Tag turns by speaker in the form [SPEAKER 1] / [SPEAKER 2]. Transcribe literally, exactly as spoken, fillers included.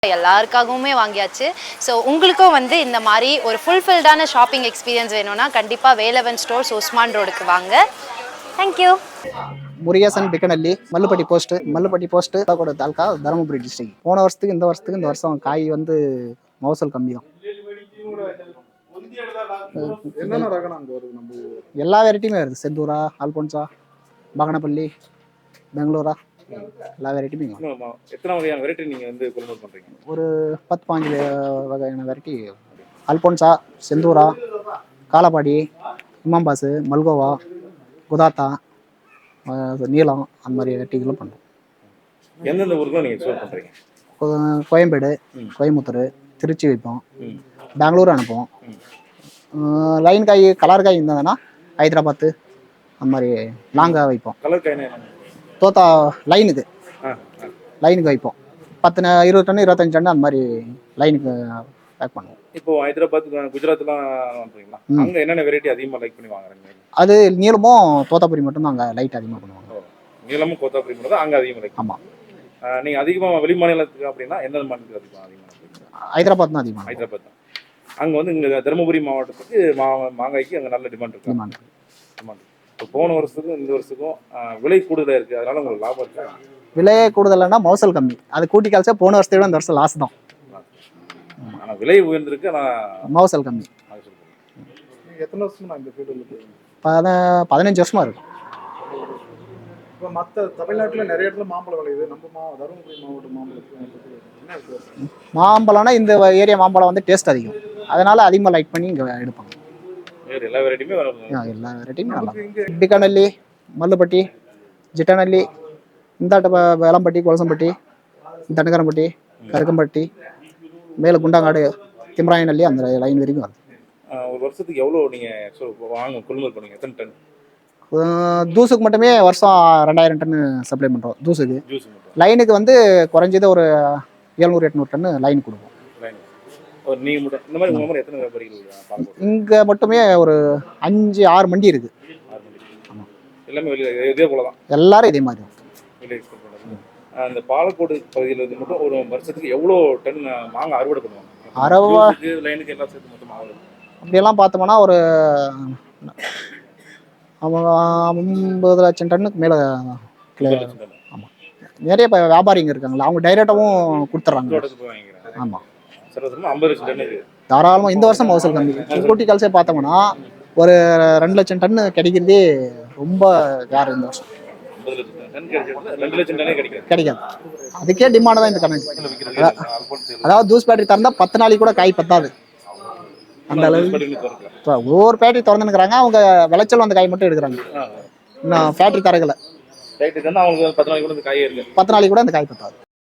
[SPEAKER 1] எல்லாருக்காகவுமே வாங்கியாச்சு. ஸோ உங்களுக்கும் வந்து இந்த மாதிரி ஒரு ஃபுல்ஃபில்டான ஷாப்பிங் எக்ஸ்பீரியன்ஸ் வேணும்னா கண்டிப்பாக வேலவன் ஸ்டோர்ஸ் உஸ்மான் ரோடுக்கு வாங்க. Thank you.
[SPEAKER 2] Murugesan Pikkanalli Mallupatti post Mallupatti post கூட தாலுக்கா தருமபுரி டிஸ்ட்ரிக்ட். போன வருஷத்துக்கு இந்த வருஷத்துக்கு இந்த வருஷம் காய் வந்து மகசூல் கம்மி தான். எல்லா வெரைட்டியுமே வருது. செந்தூரா, அல்போன்சா, பகனப்பள்ளி, பெங்களூரா, எல்லா வெரைட்டியுமே
[SPEAKER 3] எத்தனை வகையான வெரைட்டி நீங்கள் வந்து கொள்முதல் பண்ணுறீங்க?
[SPEAKER 2] ஒரு பத்து பாஞ்சு வகையான வெரைட்டி. அல்போன்சா, செந்தூரா, காலப்பாடி, இமாம்பாசு, மல்கோவா, குதாத்தா, நீளம், அந்த மாதிரி வெரைட்டிகளும் பண்ணுறோம்.
[SPEAKER 3] எந்தெந்த ஊருக்குலாம் நீங்கள் எக்ஸ்போர்ட் பண்ணுறீங்க?
[SPEAKER 2] கோயம்பேடு, கோயம்புத்தூர், திருச்சி வைப்போம், பெங்களூர் அனுப்புவோம். லைன் காய் கலர் காய் இருந்ததுன்னா ஹைதராபாத்து அந்த மாதிரி லாங்காக வைப்போம்.
[SPEAKER 3] கலர் காய்னா
[SPEAKER 2] தோத்தா லைனுக்கு லைனுக்கு வைப்போம். பத்து இருபது டன் இருபத்தஞ்சு டன் அந்த மாதிரி லைனுக்கு பேக் பண்ணுவோம்.
[SPEAKER 3] இப்போ ஹைதராபாத், குஜராத்லாம் பண்ணுறீங்களா? அங்கே என்னென்ன வெரைட்டி அதிகமாக லைக் பண்ணி வாங்குறாங்க?
[SPEAKER 2] அது நீளமும் தோத்தாபுரி மட்டும்தான் அங்கே லைட் அதிகமாக பண்ணுவாங்க.
[SPEAKER 3] நீளமும் கோத்தாபுரி மட்டும் தான் அங்கே அதிகமாக லைக்.
[SPEAKER 2] ஆமாம்.
[SPEAKER 3] நீங்கள் அதிகமாக வெளி மாநிலத்துக்கு அப்படின்னா எந்தெந்த மாநிலத்துக்கு அதிகமாக அதிகமாக?
[SPEAKER 2] ஹைதராபாத் தான் அதிகமாக.
[SPEAKER 3] ஹைதராபாத் தான். அங்கே வந்து இங்கே தருமபுரி மாவட்டத்துக்கு மா மாங்காய்க்கு அங்கே நல்ல டிமாண்ட் இருக்குது.
[SPEAKER 2] டிமாண்ட்
[SPEAKER 3] டிமாண்ட் இப்போ போன வருஷத்துக்கும் இந்த வருஷத்துக்கும் விலை கூடுதலாக இருக்குது. அதனால உங்களுக்கு லாபம் இருக்கா?
[SPEAKER 2] விலையே கூடுதலைன்னா மகசூல் கம்மி. அது கூட்டி கால்ச்சா போன வருஷத்தை விட இந்த வருஷம் லாஸ் தான்.
[SPEAKER 3] ஆனால் விலை உயர்ந்திருக்கு, ஆனால்
[SPEAKER 2] மகசூல் கம்மி.
[SPEAKER 3] எத்தனை வருஷமா இந்த ஃபீல்டு?
[SPEAKER 2] பத பதினஞ்சு வருஷமா இருக்கும்.
[SPEAKER 4] இப்போ மற்ற தமிழ்நாட்டில் நிறைய இடத்துல மாம்பழம் விளையுது. நம்ம மா தருமபுரி மாவட்ட மாம்பழத்துக்கு
[SPEAKER 2] மாம்பழம்னா இந்த ஏரியா மாம்பழம் வந்து டேஸ்ட் அதிகம், அதனால அதிகமாக லைக் பண்ணி இங்கே எடுப்பாங்க.
[SPEAKER 3] எல்லா வெரைட்டியுமே
[SPEAKER 2] எல்லா வெரைட்டியுமே நல்லா. பிக்கனல்லி, மல்லுப்பட்டி, ஜிட்டனல்லி, இந்தாட்ட வேளம்பட்டி, கொலசம்பட்டி, தண்டகரம்பட்டி, கருக்கம்பட்டி, மேலே குண்டாங்காடு, திம்ராயநல்லி, அந்த லைன் வரைக்கும் வருது.
[SPEAKER 3] ஒரு வருஷத்துக்கு எவ்வளோ நீங்கள் வாங்க கொள்முதல் பண்ணுவீங்க? எத்தனை டன்?
[SPEAKER 2] தூசுக்கு மட்டுமே வருஷம் ரெண்டாயிரம் டன் சப்ளை பண்ணுறோம். தூசுக்கு
[SPEAKER 3] ஜூஸ்
[SPEAKER 2] லைனுக்கு வந்து குறைஞ்சது ஒரு எழுநூறு எட்நூறு டன் லைன் கொடுப்போம். இங்கே மட்டுமே ஒரு அஞ்சு ஆறு மண்டி இருக்கு. எல்லாரும் இதே மாதிரி.
[SPEAKER 3] அந்த பாலக்கோடு பகுதியில் வந்து மட்டும் ஒரு வருஷத்துக்கு எவ்வளோ டன் மாங்காய் அறுவடை பண்ணுவாங்க?
[SPEAKER 2] அறுபது
[SPEAKER 3] லைனுக்கு எல்லாம் சேர்த்து மொத்தமாக
[SPEAKER 2] அப்படியெல்லாம் பார்த்தோம்னா ஒரு ஐம்பது லட்சம் டன்னுக்கு மேலே. ஆமாம். நிறைய இப்போ வியாபாரிங்க இருக்காங்களா, அவங்க டைரெக்டாகவும் கொடுத்துட்றாங்க. ஆமாம், தாராளமாக. இந்த வருஷம் மகசூல் கம்மி. கூட்டி கல்சே பார்த்தோம்னா ஒரு ரெண்டு லட்சம் டன்னு கிடைக்கிறதே ரொம்ப யார் இந்த வருஷம் கிடைக்காது. அதுக்கே டிமாண்ட் தான் இந்த கணக்கு. அதாவது ஜூஸ் பேட்டரி திறந்தா பத்து நாளைக்கு கூட காய் பத்தாது அந்த அளவுக்கு. இப்போ ஒவ்வொரு பேட்டரி திறந்துனுக்குறாங்க, அவங்க விளைச்சல் அந்த காய் மட்டும் எடுக்கிறாங்க. இன்னும் ஃபேக்ட்ரி தரகலை.
[SPEAKER 3] பத்து நாளைக்கு கூட அந்த காய் பத்தாது.